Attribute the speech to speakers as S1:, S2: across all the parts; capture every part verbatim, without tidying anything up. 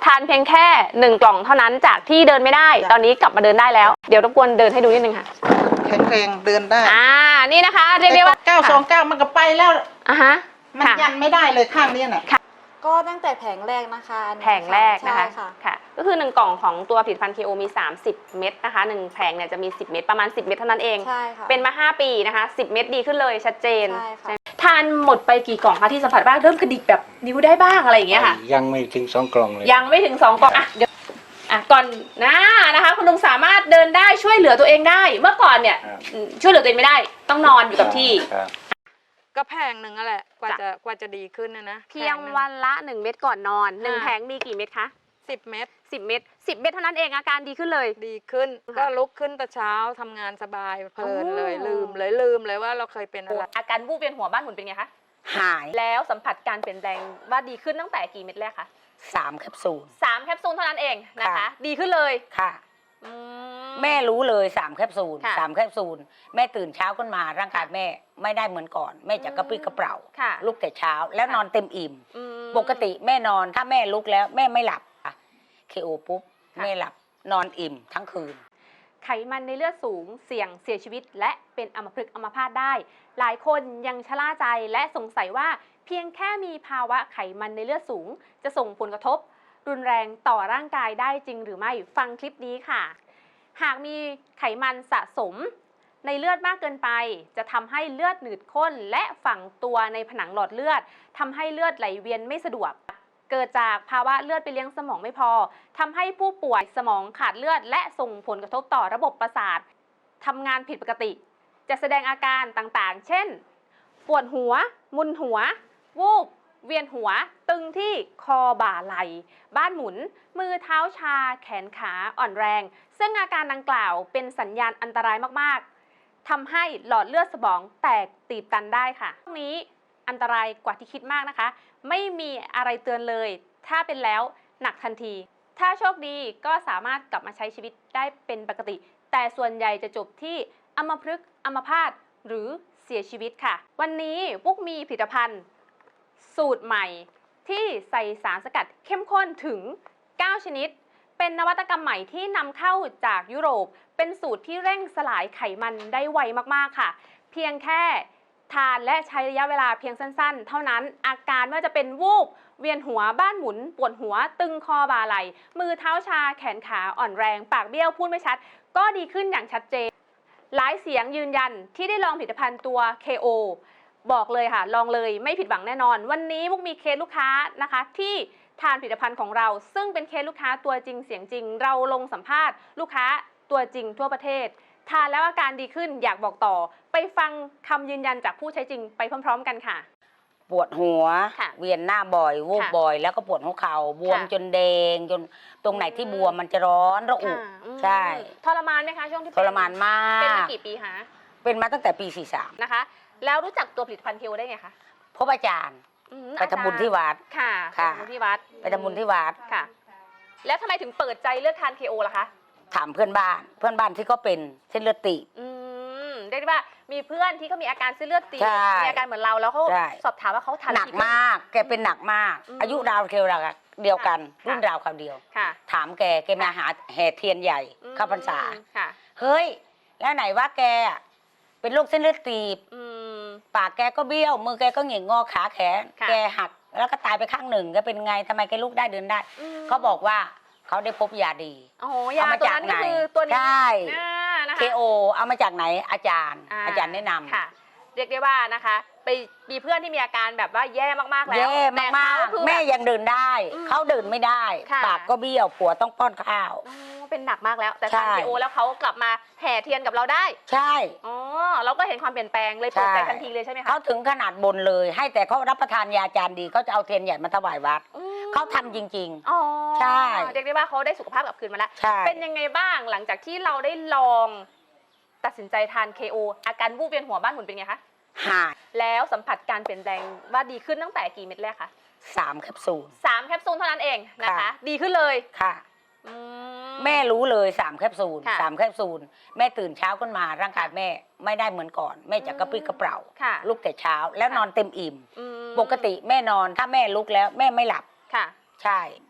S1: านเพียงแค่หนึ่งกล่องเท่านั้นจากที่เดินไม่ได้ตอนนี้กลับมาเดินได้แล้วเดี๋ยวรบกวนเดินให้ดูนิดนึงค่ะ
S2: แข็งแรงเดินได้
S1: อ่านี่นะคะเรียกได้ว่า
S2: เก้าสองเก้ามันก็ไปแล้ว
S1: อ่ะฮะ
S2: มันยันไม่ได้เลยข้างนี้น่ะ
S3: ก็ตั้งแต่แผงแรกนะคะ
S1: แผงแรกนะคะค่ะก็คือหนึ่งกล่องของตัวผลิตภัณฑ์ เค โอ มีสามสิบเม็ดนะคะหนึ่งแผงเนี่ยจะมีสิบเม็ดประมาณสิบเม็ดเท่านั้นเอง
S3: ใช่ค่ะ
S1: เป็นมาห้าปีนะคะสิบเม็ดดีขึ้นเลยชัดเจน
S3: ใช่ค่ะ
S1: ทานหมดไปกี่กล่องคะที่สัมผัสบ้างเริ่มกระดิกแบบนิ้วได้บ้างอะไรอย่างเงี้ยค่ะ
S4: ยังไม่ถึงสองกล่องเลย
S1: ยังไม่ถึงสองกล่องอ่ะเดี๋ยวอ่ะก่อนนะนะคะคุณลุงสามารถเดินได้ช่วยเหลือตัวเองได้เมื่อก่อนเนี่ยช่วยเหลือตัวเองไม่ได้ต้องนอนอยู่กับที่
S5: ก็แพงหนึ่งนั่นแหละกว่าจะกว่าจะดีขึ้นนะนะ
S1: เพียงวันละหนึ่งเม็ดก่อนนอนหนึ่งแผงมีกี่เม็ดคะ
S5: สิบเม็ด
S1: สิบเม็ดสิบเม็ดเท่านั้นเองอาการดีขึ้นเลย
S5: ดีขึ้นก็ลุกขึ้นแต่เช้าทำงานสบายเพลินเลยลืมเลยลืมเลยว่าเราเคยเป็นอะไร
S1: อาการวูบเวียนหัวบ้านหมุนเป็นไงคะ
S6: หาย
S1: แล้วสัมผัสการเปลี่ยนแปลงว่าดีขึ้นตั้งแต่กี่เม็ดแรกคะ
S6: สามแคปซูล
S1: สามแคปซูลเท่านั้นเองนะคะดีขึ้นเลย
S6: ค่ะแม่รู้เลยสามแคปซูลสามแคปซูลแม่ตื่นเช้าขึ้นมาร่างกายแม่ไม่ได้เหมือนก่อนแม่จะกระปรี้กระเปร่าลุกแต่เช้าแล้วนอนเต็มอิ่มปกติแม่นอนถ้าแม่ลุกแล้วแม่ไม่หลับอะเคโอปุ๊บแม่หลับนอนอิ่มทั้งคืน
S1: ไขมันในเลือดสูงเสี่ยงเสียชีวิตและเป็นอัมพฤกษ์อัมพาตได้หลายคนยังชะล่าใจและสงสัยว่าเพียงแค่มีภาวะไขมันในเลือดสูงจะส่งผลกระทบรุนแรงต่อร่างกายได้จริงหรือไม่ฟังคลิปนี้ค่ะหากมีไขมันสะสมในเลือดมากเกินไปจะทำให้เลือดหนืดข้นและฝังตัวในผนังหลอดเลือดทำให้เลือดไหลเวียนไม่สะดวกเกิดจากภาวะเลือดไปเลี้ยงสมองไม่พอทำให้ผู้ป่วยสมองขาดเลือดและส่งผลกระทบต่อระบบประสาททำงานผิดปกติจะแสดงอาการต่างๆเช่นปวดหัวมึนหัววูบเวียนหัวตึงที่คอบ่าไหล่บ้านหมุนมือเท้าชาแขนขาอ่อนแรงซึ่งอาการดังกล่าวเป็นสัญญาณอันตรายมากๆทำให้หลอดเลือดสมองแตกตีบตันได้ค่ะตรงนี้อันตรายกว่าที่คิดมากนะคะไม่มีอะไรเตือนเลยถ้าเป็นแล้วหนักทันทีถ้าโชคดีก็สามารถกลับมาใช้ชีวิตได้เป็นปกติแต่ส่วนใหญ่จะจบที่อัมพฤกษ์อัมพาตหรือเสียชีวิตค่ะวันนี้ปุ๊กมีผลิตภัณฑ์สูตรใหม่ที่ใส่สารสกัดเข้มข้นถึงเก้าชนิดเป็นนวัตกรรมใหม่ที่นำเข้าจากยุโรปเป็นสูตรที่เร่งสลายไขมันได้ไวมากๆค่ะเพียงแค่ทานและใช้ระยะเวลาเพียงสั้นๆเท่านั้นอาการไม่ว่าจะเป็นวูบเวียนหัวบ้านหมุนปวดหัวตึงคอบ่าไหล่มือเท้าชาแขนขาอ่อนแรงปากเบี้ยวพูดไม่ชัดก็ดีขึ้นอย่างชัดเจนหลายเสียงยืนยันที่ได้ลองผลิตภัณฑ์ตัว เค โอบอกเลยค่ะลองเลยไม่ผิดหวังแน่นอนวันนี้มุกมีเคสลูกค้านะคะที่ทานผลิตภัณฑ์ของเราซึ่งเป็นเคสลูกค้าตัวจริงเสียงจริงเราลงสัมภาษณ์ลูกค้าตัวจริงทั่วประเทศทานแล้วอาการดีขึ้นอยากบอกต่อไปฟังคำยืนยันจากผู้ใช้จริงไปพร้อมๆกันค่ะ
S6: ปวดหัวเวียนหน้าบ่อยวูบบ่อยแล้วก็ปวดหัวเข่าบวมจนแดงจนตรงไหนที่บวมมันจะร้อนระอุใช่
S1: ทรมานไหมคะช่วงที่
S6: ทรมานมาก
S1: เป็นมากี่ปีคะ
S6: เป็นมาตั้งแต่ปีสี่สิบสาม
S1: นะคะแล้วรู้จักตัวผลิตภัณฑ์เคโอได้ไงคะ
S6: พบอาจารย์ไปทำบุญที่วัด
S1: ค่ะไปทำบุญที่วัด
S6: ไปทำบุญที่วัด
S1: ค่ะแล้วทำไมถึงเปิดใจเลือกทานเคโอล่ะคะ
S6: ถามเพื่อนบ้านเพื่อนบ้านที่ก็เป็นเส้นเลือดตีบ
S1: อืมเรียกได้ว่ามีเพื่อนที่เขามีอาการเส้นเลือดตีบมีอาการเหมือนเราแล้วเขาสอบถามว่าเขาทาน
S6: หนักมากแกเป็นหนักมากอายุราวเคียวราวเดียวกันรุ่นราวคราวเดียวถามแกแกมาหาแห่เทียนใหญ่เข้าพรรษาเฮ้ยแล้วไหนว่าแกเป็นโรคเส้นเลือดตีบปากแกก็เบี้ยวมือแกก็เหง่งงอขาแขนแกหักแล้วก็ตายไปข้างหนึ่งแกเป็นไงทำไมแกลุกได้เดินได้เขาบอกว่าเขาได้พบยาดี
S1: เอามาจากไหน
S6: ใช่เคโอเอามาจากไหนอาจารย์อาจารย์แนะนำ
S1: ค่ะเรียกได้ว่านะคะไปมีเพื่อนที่มีอาการแบบว่าแย่มากๆแล้ว
S6: แย่มากๆแม่ยังเดินได้เขาเดินไม่ได้ปากก็เบี้ยวผัวต้องป้อนข้าว
S1: เป็นหนักมากแล้วแต่ทานเคโอแล้วเขากลับมาแห่เทียนกับเราได้
S6: ใช่
S1: อ๋อเราก็เห็นความเปลี่ยนแปลงเลยเปิดใจทันทีเลยใช่ไหมคะ
S6: เขาถึงขนาดบนเลยให้แต่เขารับประทานยาจานดีเขาจะเอาเทียนใหญ่มาถวายวัดเขาทำจริง
S1: ๆอ๋อใช่เรียกได้ว่าเขาได้สุขภาพกลับคืนมาแล้วเป็นยังไงบ้างหลังจากที่เราได้ลองตัดสินใจทาน เค โอ อาการวูบเวียนหัวบ้านหมุนเป็นไงคะ
S6: หาย
S1: แล้วสัมผัสการเปลี่ยนแปลงว่าดีขึ้นตั้งแต่กี่เม็ดแรกคะ
S6: สามแคปซูล
S1: สามแคปซูลเท่านั้นเองนะคะดีขึ้นเลย
S6: ค่ะแม่รู้เลยสามแคปซูลสามแคปซูลแม่ตื่นเช้าขึ้นมาร่างกายแม่ไม่ได้เหมือนก่อนแม่จะกระปรี้กระเปร่าลุกแต่เช้าแล้วนอนเต็มอิ่มปกติแม่นอนถ้าแม่ลุกแล้วแม่ไม่หลับ
S1: ค่ะ
S6: ใช่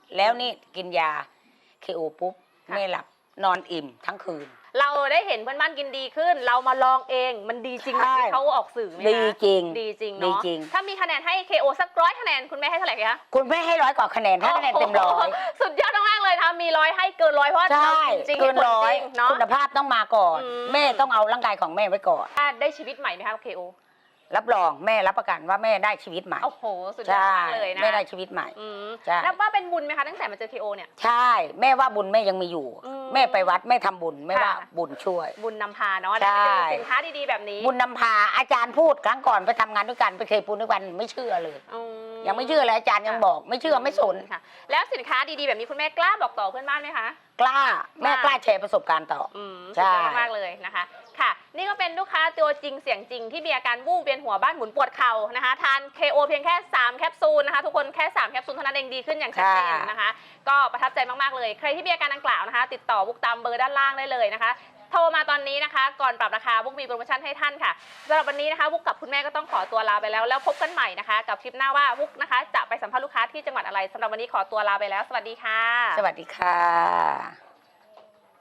S6: แล้วนี่กินยาเคโอปุ๊บ
S1: ค่ะ
S6: แม่หลับนอนอิ่มทั้งคืน
S1: เราได้เห็นเพื่อนบ้านกินดีขึ้น เรามาลองเองมันดีจริงไหม
S6: ใช่
S1: ที่เขาออกสื่อไหมคะ
S6: ดีจริง
S1: ดีจริง
S6: ดี
S1: เนาะ
S6: จริง
S1: ถ้ามีคะแนนให้ เค โอ สักร้อยคะแนนคุณแม่ให้เท่าไหร่คะ
S6: คุณแม่ให้ร้อยกว่าคะแนนถ้าคะแนนเต็มร้อย
S1: โโหสุดยอดมากๆเลยนะคะมีร้อยให้เกินร้อยเพราะว่า
S6: ใช่
S1: เราจริงๆ
S6: เกิน
S1: ห็ผล
S6: ร้อย
S1: จงเนาะ
S6: คุณภาพต้องมาก่อน
S1: อืม
S6: แม่ต้องเอาร่างกายของแม่ไว้ก่อน
S1: อ่ะได้ชีวิตใหม่ไหมคะ เค โอ
S6: รับรองแม่รับประกันว่าแม่ได้ชีวิตใหม่
S1: โอ้โหสุดยอด
S6: ใช่
S1: มากเลยนะ
S6: แม่ได้ชีวิตใหม่
S1: อืม
S6: ใช่
S1: นับว่าเป็นบุญไหมคะตั้งแต่มาเจอ เค โอ เนี่ย
S6: ใช่ แม่ว่าบุญแม่ยังมีอยู่
S1: อืม
S6: แม่ไปวัดแม่ทำบุญแม่ว่า
S1: ค่ะ
S6: บุญช่วย
S1: บุญนำพาเนาะ
S6: ใช่
S1: ได้ไปเจอสินค้าดีๆแบบนี้
S6: บุญนำพาอาจารย์พูดครั้งก่อนไปทำงานด้วยกันไปเคยปูนด้วยกันไม่เชื่อเลย
S1: อื
S6: ยังไม่เชื่อเลยอาจารย์ยังบอกไม่เชื่อไม่สน
S1: ค่ะ แล้วสินค้าดีๆแบบนี้คุณแม่กล้าบอกต่อเพื่อนบ้านไหมคะ
S6: กล้าแม่กล้าแชร์ประสบการณ์ต่อ
S1: อืม
S6: ใช่
S1: สุดยอดมากเลยนะคะ ค่ะ นี่ก็เป็นลูกค้าตัวจริงเสียงจริงที่มีอาการวูบเวียนหัวบ้านหมุนปวดเข่านะคะ ทาน เค โอ เพียงแค่สามแคปซูลนะคะ ทุกคนแค่สามแคปซูลเท่านั้นเองดีขึ้นอย่างชัดเจนนะคะ ก็ประทับใจมากๆเลย ใครที่มีอาการดังกล่าวนะคะ ติดต่อบุกตามเบอร์ด้านล่างได้เลยนะคะ โทรมาตอนนี้นะคะ ก่อนปรับราคาบุกมีโปรโมชั่นให้ท่านค่ะสำหรับวันนี้นะคะบุกกับคุณแม่ก็ต้องขอตัวลาไปแล้วแล้วพบกันใหม่นะคะ กับคลิปหน้าว่าบุกนะคะ จะไปสัมภาษณ์ลูกค้าที่จังหวัดอะไรสำหรับวันนี้ขอตัวลาไปแล้วสวัสดีค่ะ
S6: สวัสดีค่ะ